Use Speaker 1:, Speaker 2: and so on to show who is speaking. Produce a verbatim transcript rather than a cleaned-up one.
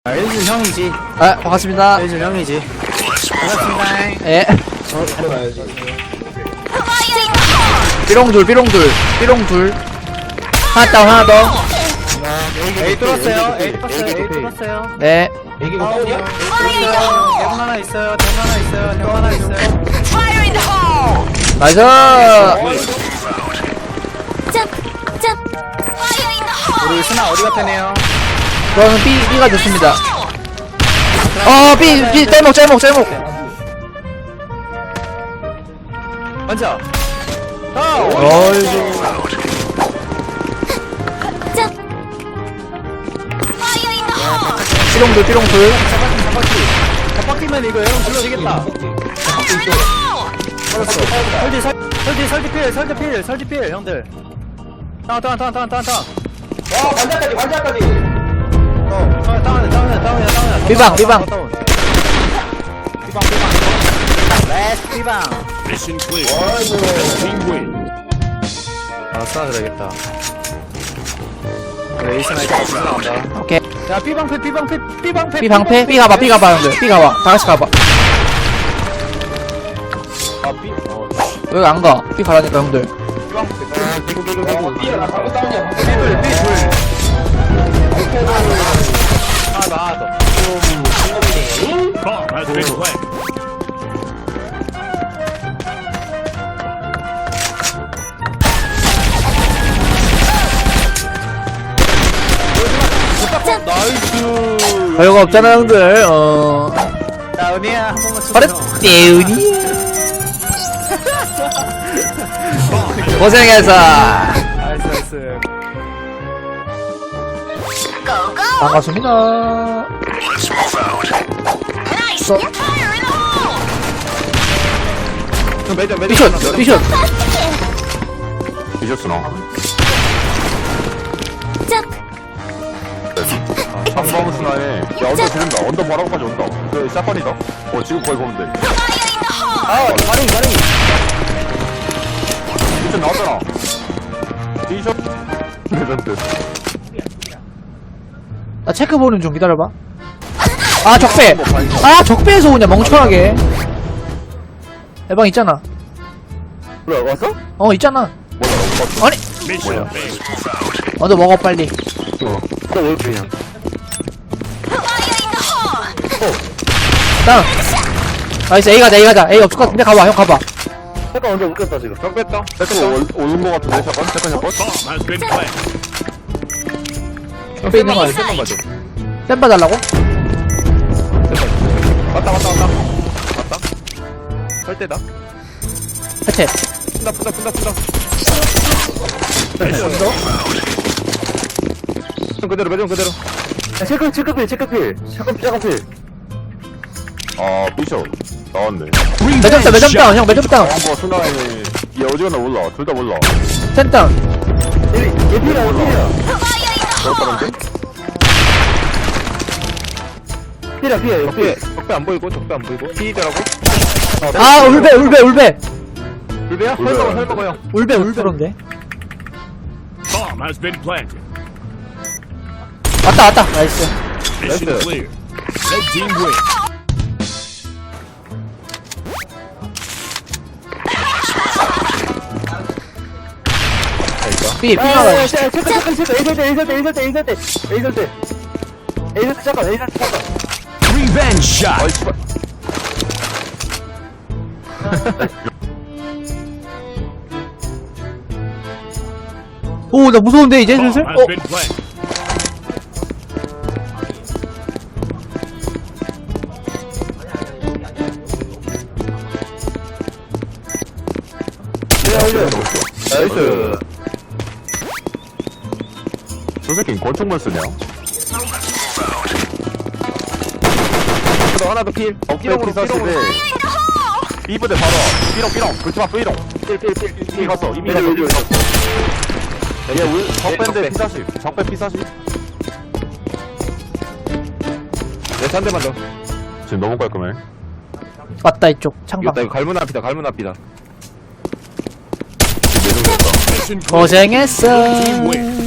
Speaker 1: 아, 일준 형이지.
Speaker 2: 아, 반갑습니다.
Speaker 1: 일준 형이지. 반갑습니다.
Speaker 2: 예.
Speaker 3: 저 바로 가야지.
Speaker 2: 삐롱둘, 삐롱둘, 삐롱둘. 하나 다운, 하나 더.
Speaker 1: A 뚫었어요. A 뚫었어요. A 뚫었어요.
Speaker 2: 네.
Speaker 3: 애기가 다운이야?
Speaker 1: 뚫었어요. 대문 하나 있어요. 대문 하나 있어요. 대문 하나 있어요.
Speaker 2: 나이스.
Speaker 1: 우리 스나 어디 갔다네요?
Speaker 2: 저는 B, B가 됐습니다. 어, B, B, 짤목, 짤목, 짤목.
Speaker 1: 먼저.
Speaker 2: 어이구. 삐롱둘, 삐롱둘.
Speaker 1: 잡바퀴면 이거 여러분 불러지겠다. 설지, 설, 설지, 설지 필, 설지 필, 설지 필, 형들. 다운, 다운, 다운, 다운, 다운, 다운.
Speaker 3: 와, 반짝까지, 반짝까지.
Speaker 1: 어, 다운, 다운, 다운, 다운, 다운.
Speaker 2: 삐방, 삐방.
Speaker 1: 삐방, 삐방. 레스 삐방.
Speaker 4: Mission clear.
Speaker 3: 아이고.
Speaker 4: Team win.
Speaker 1: 아, 스나 들어야겠다. 그래, 에이스나 이거 없어 나온다.
Speaker 2: 오케이.
Speaker 1: 야, 삐방패, 삐방패, 삐방패.
Speaker 2: B 방패? B 가봐, B 가봐, 형들. B 가봐. 다 같이 가봐.
Speaker 1: 아, 삐, 어,
Speaker 2: 여기 안 가. B 가라니까, 형들.
Speaker 1: 삐방패.
Speaker 3: 야, 삐야, 나 방금 다운이야. 방금
Speaker 1: 삐둘, 삐둘.
Speaker 3: 다운.
Speaker 1: 하나 더, 하나 더.
Speaker 4: Bomb has been planted.
Speaker 1: 나이스.
Speaker 2: 별거 없잖아, 형들. 어.
Speaker 1: 자, 은희야, 한 번만 쏘.
Speaker 2: 바로, 떼우니. 고생했어.
Speaker 1: 나이스, 나이스.
Speaker 2: 반갑습니다. 서,
Speaker 1: 매점, 매점.
Speaker 2: 미션, 미션.
Speaker 4: 미셨으나?
Speaker 5: 아,
Speaker 4: 상방 순환에 야 언더 지른다. 언더 바라고까지 온다. 그 샷건이다. 어 지금 거의 보면 돼.
Speaker 1: 아, 가링, 가링.
Speaker 4: 미션 나왔잖아. D샷 레전드.
Speaker 2: 나 체크 보는 중 기다려봐. 아, 적배. 아, 적배에서 오냐, 멍청하게. 해방 있잖아.
Speaker 4: 그래 왔어?
Speaker 2: 어, 있잖아.
Speaker 4: 뭐야?
Speaker 2: 아니,
Speaker 4: Mission failed.
Speaker 2: 어, 너 먹어, 빨리.
Speaker 4: 또왜 그냥?
Speaker 2: 다운. 나이스, A 가자, A 가자. A 없을 것 같은데, 가봐, 형 가봐.
Speaker 4: 잠깐 언제 웃겼다 지금. 형 뺐다. 뺐다. 오는 거 같은데 샷건? 샷건 샷건? Bomb has been planted.
Speaker 2: 옆에 있는 거 알지?
Speaker 4: 샷건 맞아.
Speaker 2: 쌤 봐달라고?
Speaker 4: 왔다 왔다 왔다. 왔다. 설 때다.
Speaker 2: 해체.
Speaker 4: 푼다 푼다 푼다 푼다. 좀 그대로 매점 그대로. 체크 체크필 체크필 샷건 샷건필. 아 비숍 나왔네.
Speaker 2: 매점 다운, 매점 다운, 형 매점 다운.
Speaker 4: 뭐 순간에 얘 어디 갔나 몰라. 둘 다 몰라.
Speaker 2: 센 다운.
Speaker 4: 얘 필이야 몰라. 그렇다는데? 필이야 필이야 필. 적배 안 보이고 적배 안 보이고. 피더라고.
Speaker 2: 아, 울베, 울베, 울베.
Speaker 4: 울베야? 설먹어 설먹어 형.
Speaker 2: 울베, 울베인데.
Speaker 4: Bomb has been planted.
Speaker 2: 왔다, 왔다. 나이스.
Speaker 4: Mission
Speaker 5: Nice.
Speaker 4: clear. Red team win.
Speaker 2: B, B 가봐.
Speaker 4: 체크 체크 체크. 에이설 때 에이설 때 에이설 때 에이설 때 에이설 때 에이설 때 잠깐 에이설 때 잠깐.
Speaker 5: Revenge shot.
Speaker 4: 어이 씨발.
Speaker 2: 오, 나 무서운데, 이제
Speaker 4: Bomb
Speaker 2: 슬슬?
Speaker 4: has
Speaker 2: 어,
Speaker 4: been planted.
Speaker 5: 나이스. 저 새끼는 권총만 쓰냐?
Speaker 4: 하나 더 필.
Speaker 5: 삐롱 피사시대.
Speaker 4: 이부대 바로. 삐롱 삐롱. 불치마 삐롱. 필필필필 갔어. 이미 갔어.
Speaker 5: 여기, 여기.
Speaker 4: 얘 울. 적배인데 피사시. 적배 피사시. 얘 한 대만 더.
Speaker 5: 지금 너무 깔끔해.
Speaker 2: 왔다, 이쪽. 창방.
Speaker 4: 이거 갈문 앞이다. 갈문 앞이다.
Speaker 5: 지금 내정 됐다.
Speaker 4: Mission clear.
Speaker 2: 고생했어.
Speaker 4: Team win.